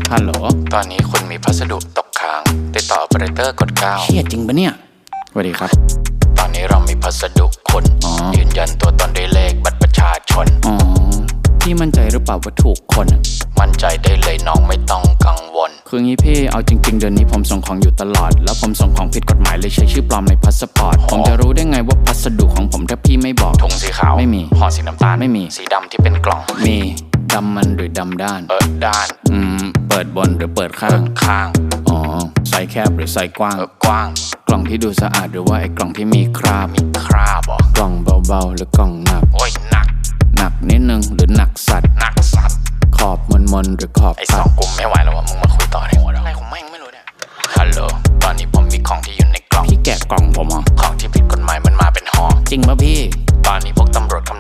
ฮัลโหลตอนนี้คุณมีพัสดุตกค้างติดต่อ Operator กด 9 เชี่ยจริงปะเนี่ยสวัสดีครับตอนนี้เรามีพัสดุคุณยืนยันตัวตนด้วยเลขบัตรประชาชนพี่มั่นใจหรือเปล่าว่าถูกคนมั่นใจได้เลยน้องไม่ต้องกังวลคืองี้พี่เอาจริงๆเดือนนี้ผมส่งของอยู่ตลอดแล้วผมส่งของผิดกฎหมายเลยใช้ชื่อปลอมในพาสปอร์ตผมจะรู้ได้ไงว่าพัสดุของผมถ้าพี่ไม่บอกถุงสีขาวไม่มีห่อสีน้ำตาลไม่มีสีดำที่เป็นกล่องมีดำมันหรือดำด้านด้านเปิดบนหรือเปิดข้างอ๋อไซส์แคบหรือไซส์กว้างกว้างกล่องที่ดูสะอาดหรือว่าไอ้กล่องที่มีคราบหรอกล่องเบาๆหรือกล่องหนักโอ้ยหนักนิดนึงหรือหนักสัตว์ขอบมนหรือขอบไอ้2กลุ่มไม่ไหวแล้วว่ะมึงมาคุยต่อในหัวอะไรของแม่งไม่รู้เนี่ยฮัลโหลตอนนี้ผมมีของที่อยู่ในกล่องพี่แกะกล่องผมเหรอของที่ผิดกฎหมายมันมาเป็นห่อจริงป่ะพี่ตอนนี้พวกตำรวจกำ